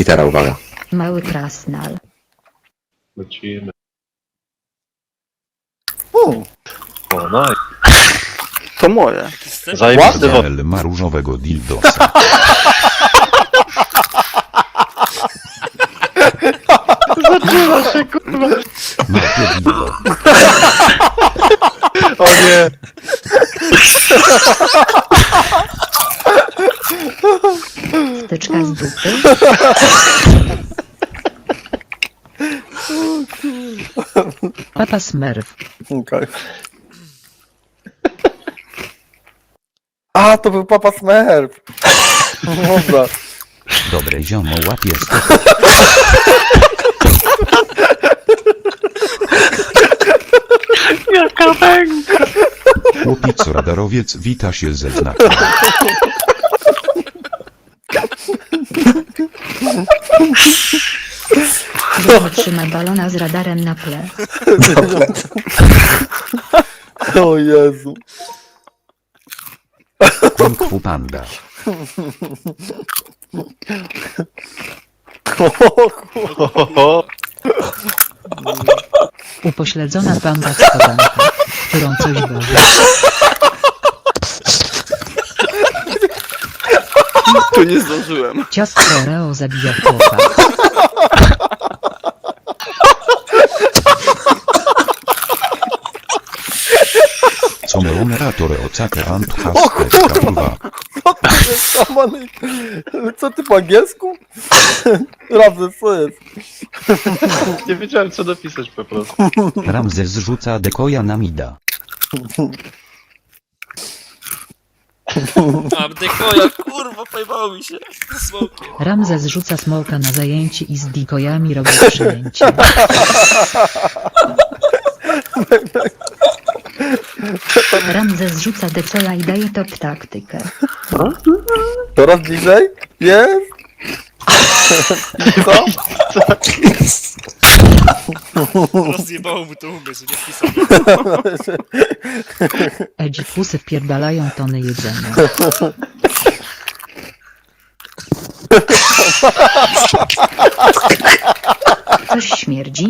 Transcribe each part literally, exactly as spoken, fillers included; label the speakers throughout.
Speaker 1: litera, uwaga.
Speaker 2: Mały krasnal.
Speaker 3: Lecimy.
Speaker 4: U,
Speaker 3: O, no
Speaker 4: to moje.
Speaker 3: i zajebisty wod.
Speaker 5: L ma różowego dildosa.
Speaker 4: Zaczyna się, kurwa.
Speaker 5: Ma dildo.
Speaker 4: O nie.
Speaker 2: Wtyczka z dupy. Papa Smurf.
Speaker 4: Okej. A, to był Papa Smurf. Dobra.
Speaker 5: Dobre ziomo łapie sto.
Speaker 4: Jaka węga.
Speaker 5: Chłopic radarowiec wita się ze znakiem.
Speaker 2: Który trzyma balona z radarem na ple.
Speaker 4: O Jezu.
Speaker 5: Kung Fu Panda.
Speaker 4: O kurwa.
Speaker 2: Upośledzona panda schodanka, którą coś boli.
Speaker 4: Tu nie zdążyłem.
Speaker 2: Ciastko Oreo zabija chłopa.
Speaker 5: Co meonerator ocake ant
Speaker 4: O
Speaker 5: haste
Speaker 4: kurwa.
Speaker 5: kurwa.
Speaker 4: Co to jest samany? Co ty po angielsku? Ramzes, co jest?
Speaker 3: Nie wiedziałem co napisać po prostu.
Speaker 5: Ramzes rzuca dekoja na mida.
Speaker 6: Mam dekoja, kurwa, pojmało mi się. Smokiem.
Speaker 2: Ramzes rzuca smoka na zajęcie i z dikojami robi przyjęcie. Ramzes rzuca decola i daje top taktykę.
Speaker 4: Coraz bliżej? Jest? I co?
Speaker 6: Rozjebało mu to umysł, nie wpisane.
Speaker 2: Edzikusy wpierdalają tony jedzenia. Coś śmierdzi?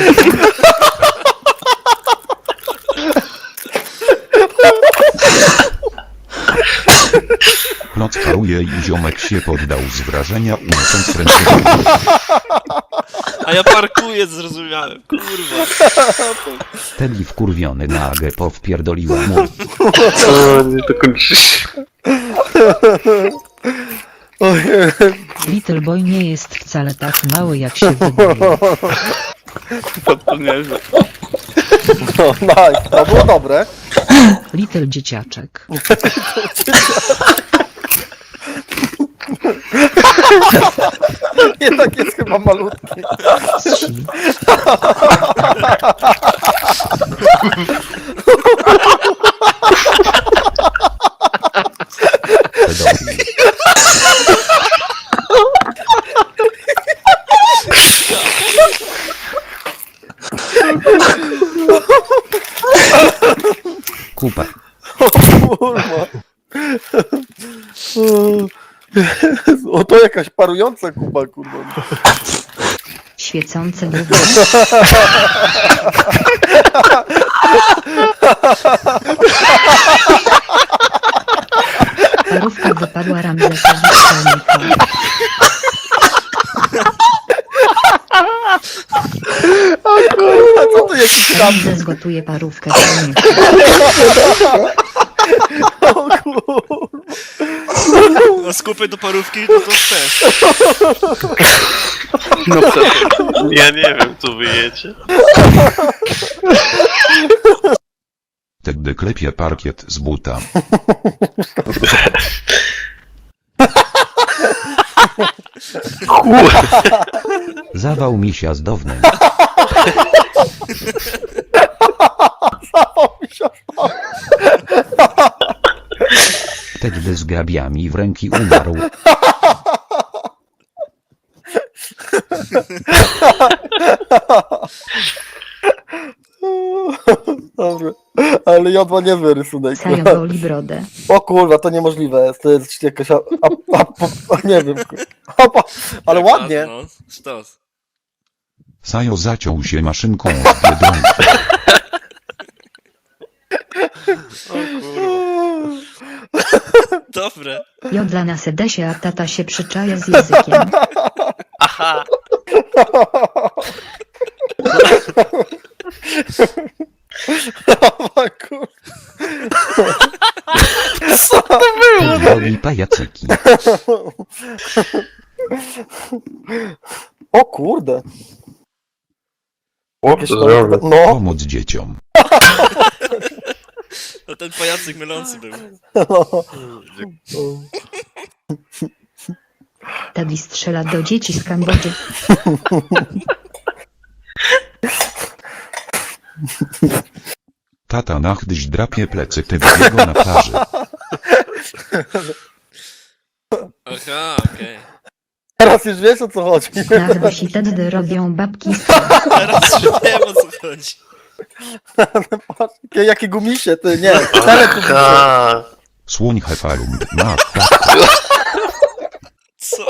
Speaker 5: Kloc paruje i ziomek się poddał z wrażenia unosząc ręce.
Speaker 6: A ja parkuję, zrozumiałem, kurwa.
Speaker 5: Teddy wkurwiony na Agepo wpierdoliła mu.
Speaker 3: O, nie to kończy się.
Speaker 4: O Jezu.
Speaker 2: Little Boy nie jest wcale tak mały jak się wydaje.
Speaker 4: To nieźle. No, nice. To było dobre.
Speaker 2: Little dzieciaczek.
Speaker 4: Jednak jest chyba malutki.
Speaker 2: Wsi.
Speaker 5: Pedofil. Kupa.
Speaker 4: Kurwa. O, to jakaś parująca kuba, kurwa.
Speaker 2: Świecące gówno. Parówka wypadła Ramzesowi z palnika.
Speaker 4: A co to jakiś tam?
Speaker 2: Ramzes gotuje parówkę z palnika.
Speaker 4: O kurwa.
Speaker 6: Na skupy do parówki, no to też.
Speaker 3: No przecież. Ja nie wiem co wyjecie.
Speaker 5: Teddy klepie parkiet z buta. Zawał misia z downem. Teddy z grabiami w ręki umarł.
Speaker 4: Dobra. Ale jodła niezły rysunek.
Speaker 2: Sajo goli brodę.
Speaker 4: O kurwa, to niemożliwe jest. To jest jakaś... A, a, a, a, nie wiem. Kurwa. Ale ładnie.
Speaker 6: No, sztos.
Speaker 5: Sajo zaciął się maszynką w Biedronce.
Speaker 6: Dobre.
Speaker 2: Jodla na sedesie, a tata się przyczaja z językiem.
Speaker 3: Aha!
Speaker 4: O kur...
Speaker 5: Woli pajacyki.
Speaker 4: O kurde.
Speaker 3: O,
Speaker 4: Jakieś
Speaker 3: to
Speaker 4: tam-
Speaker 3: zrobię.
Speaker 4: No.
Speaker 5: Pomóc dzieciom.
Speaker 6: No ten pajacyk mylący był.
Speaker 2: Teddy strzela do dzieci z Kambodży.
Speaker 5: Tata nachdyś drapie plecy Teddy'ego na plaży.
Speaker 6: Aha, okej.
Speaker 4: Teraz już wiesz, o co chodzi.
Speaker 2: Nachdyś i Teddy robią babki z
Speaker 6: Teraz już wiem, o co chodzi.
Speaker 4: Jakie, jakie gumisie, ty, nie. Cztery gumisie.
Speaker 3: Aha!
Speaker 5: Słoń hefalund ma
Speaker 6: Co?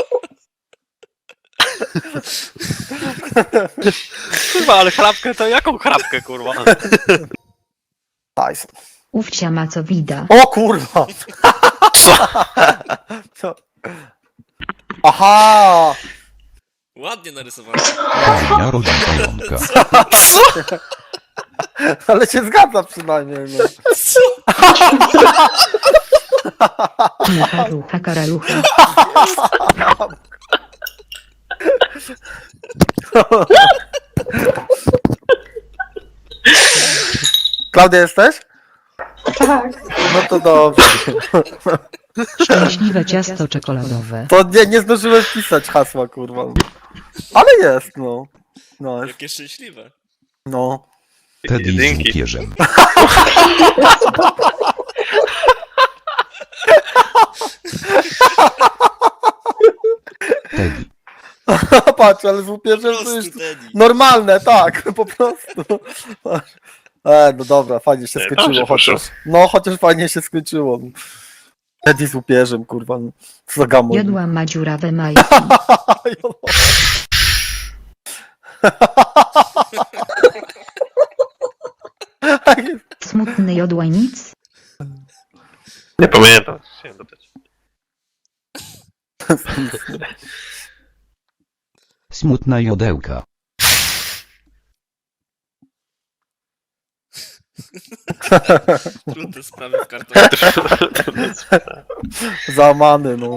Speaker 3: Kurwa, ale chrapkę to jaką chrapkę, kurwa?
Speaker 4: Tyson.
Speaker 2: Ówcia ma co wida.
Speaker 4: O kurwa. Co? Aha.
Speaker 6: Ładnie narysowany.
Speaker 5: Dnia rodzi pająka.
Speaker 4: Ale się zgadza przynajmniej, no.
Speaker 6: Co?
Speaker 2: Mucha, rucha, karalucha.
Speaker 4: Klaudia, jesteś? Tak. No to dobrze.
Speaker 2: Szczęśliwe ciasto czekoladowe.
Speaker 4: To nie, nie zdążyłem wpisać hasła, kurwa. Ale jest, no. No, jest.
Speaker 6: Jakie szczęśliwe.
Speaker 4: No.
Speaker 5: Teddy z
Speaker 3: Jedynki.
Speaker 5: łupieżem. Teddy.
Speaker 4: Patrz, ale z łupieżem
Speaker 6: Po
Speaker 4: to już
Speaker 6: prostu Teddy.
Speaker 4: normalne, tak, po prostu. E, no dobra, fajnie się
Speaker 3: Nie,
Speaker 4: skończyło
Speaker 3: dobrze
Speaker 4: chociaż.
Speaker 3: poszło.
Speaker 4: No, chociaż fajnie się skończyło. Eddie z łupieżem, kurwa. no. Co za gamon.
Speaker 2: Jodła ma dziurawe majki. Smutny jodła nic.
Speaker 3: Nie pamiętam. Chciałem dodać.
Speaker 5: Smutna jodełka.
Speaker 6: Trudne sprawy w kartonie.
Speaker 4: Załamany, no.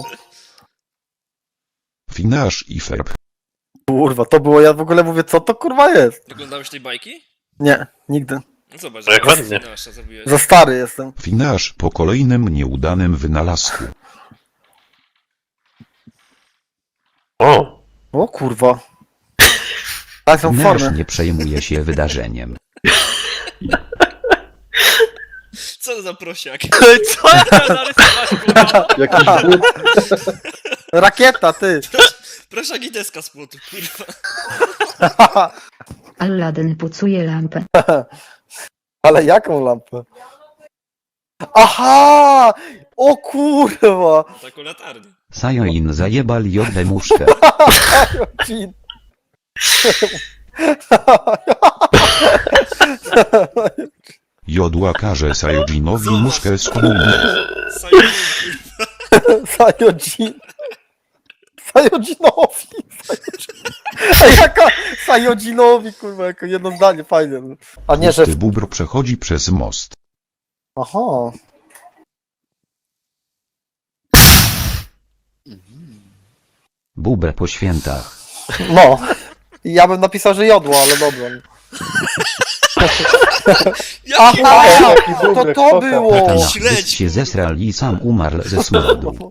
Speaker 5: Finasz i Ferb.
Speaker 4: Kurwa, to było, ja w ogóle mówię, co to kurwa jest?
Speaker 6: Oglądałeś tej bajki?
Speaker 4: Nie, nigdy.
Speaker 6: No zobacz,
Speaker 3: No jak
Speaker 6: jaka
Speaker 3: ładnie.
Speaker 6: nasza zrobiłeś.
Speaker 4: Za stary jestem.
Speaker 5: Finasz po kolejnym nieudanym wynalazku.
Speaker 3: O!
Speaker 4: O kurwa. Tak są
Speaker 5: Finasz
Speaker 4: formy.
Speaker 5: nie przejmuje się wydarzeniem.
Speaker 6: Co za prosiak? Co ja narysować, kurwa?
Speaker 3: Jakiś
Speaker 4: Rakieta, ty.
Speaker 6: Prosiak i deska z płotu, kurwa.
Speaker 2: Aladdin pucuje lampę.
Speaker 4: Ale jaką lampę? Aha! O kurwa!
Speaker 6: Taką latarnię.
Speaker 5: Sajoin zajebal jodę muszkę.
Speaker 4: Jean.
Speaker 5: Jodła każe Sajojinowi muszkę z komunii.
Speaker 6: Sajun,
Speaker 4: Sajojin. Sajojinowi. Sajojin. Ej, jaka Sajojinowi, kurwa, jako jedno zdanie, fajnie. A nie, że...
Speaker 5: Pusty bóbr przechodzi przez most.
Speaker 4: Aha.
Speaker 5: Bóbr po świętach.
Speaker 4: No. Ja bym napisał, że jodło, ale dobra.
Speaker 6: Jaki
Speaker 4: Aha! To to było!
Speaker 5: Tata nachdyś
Speaker 6: Śledź,
Speaker 5: się zesrał i sam umarł ze smrodu.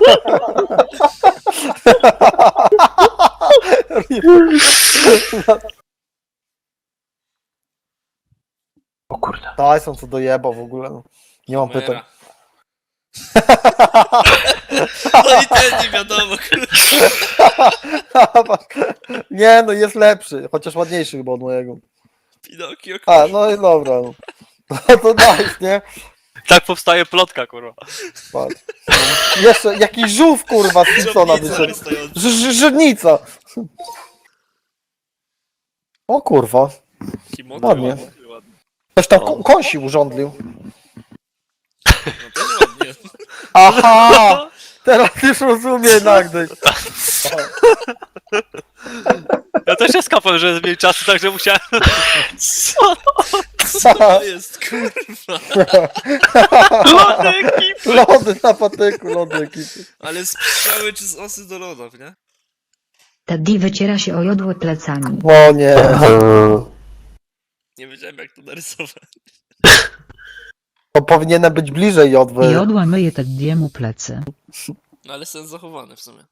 Speaker 3: O kurde.
Speaker 4: Tyson co dojebał w ogóle. no. Nie mam pytań.
Speaker 6: Mera. No i ten nie wiadomo, kurwa.
Speaker 4: Nie, no jest lepszy, chociaż ładniejszy chyba od mojego.
Speaker 6: Pinokio,
Speaker 4: A,
Speaker 6: kurwa.
Speaker 4: no i dobra. No, no to nice, nie?
Speaker 3: Tak powstaje plotka, kurwa.
Speaker 4: Patrz. Jeszcze jakiś żółw, kurwa, z Simpsona
Speaker 6: Żabnica
Speaker 4: wyszedł.
Speaker 6: wystająca.
Speaker 4: Ż- ż- Żydnica. O kurwa.
Speaker 6: Kimono
Speaker 4: Ładnie.
Speaker 6: ładnie.
Speaker 4: Ktoś tam ko- kąsi urządlił.
Speaker 6: No też ładnie.
Speaker 4: Aha! Teraz już rozumiem Nagdy.
Speaker 3: Ja też się skapłem, że jest mniej czasu, także musiałem... Co?
Speaker 6: Co to jest, kurwa?
Speaker 3: Lody ekipy!
Speaker 4: Lody na patyku, lody ekipy.
Speaker 6: Ale z pszczoły czy z osy do lodów, nie?
Speaker 2: Teddy wyciera się o jodło plecami.
Speaker 4: O nie.
Speaker 6: Nie wiedziałem jak to narysować.
Speaker 4: To powinienem być bliżej jodły.
Speaker 1: Jodła myje Teddiemu plecy.
Speaker 6: No ale sens zachowany w sumie.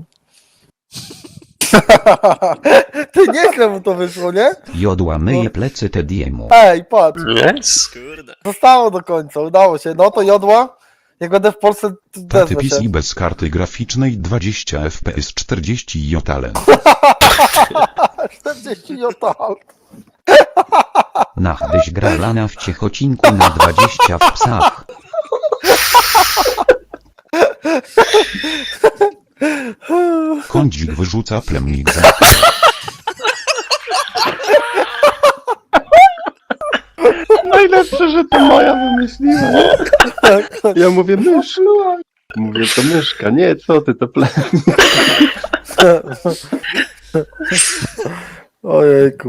Speaker 4: Ty nieźle mu to wyszło, nie?
Speaker 5: Jodła myje plecy Tediemu.
Speaker 4: Ej, patrz.
Speaker 3: Yes.
Speaker 6: Kurde.
Speaker 4: Zostało do końca, udało się. No to jodła. Jak będę w Polsce, to
Speaker 5: Taty
Speaker 4: wezmę
Speaker 5: P C
Speaker 4: się.
Speaker 5: bez karty graficznej dwadzieścia F P S czterdzieści jotalen.
Speaker 4: czterdzieści jotal.
Speaker 5: Nachdyś gra lana w ciechocinku na dwadzieścia w psach. Kądzik wyrzuca plemnik za...
Speaker 7: Najlepsze, że to moja wymyśliła. Ja mówię myszka. Mówię to myszka. Nie, co ty, to ple...
Speaker 4: Ojejku.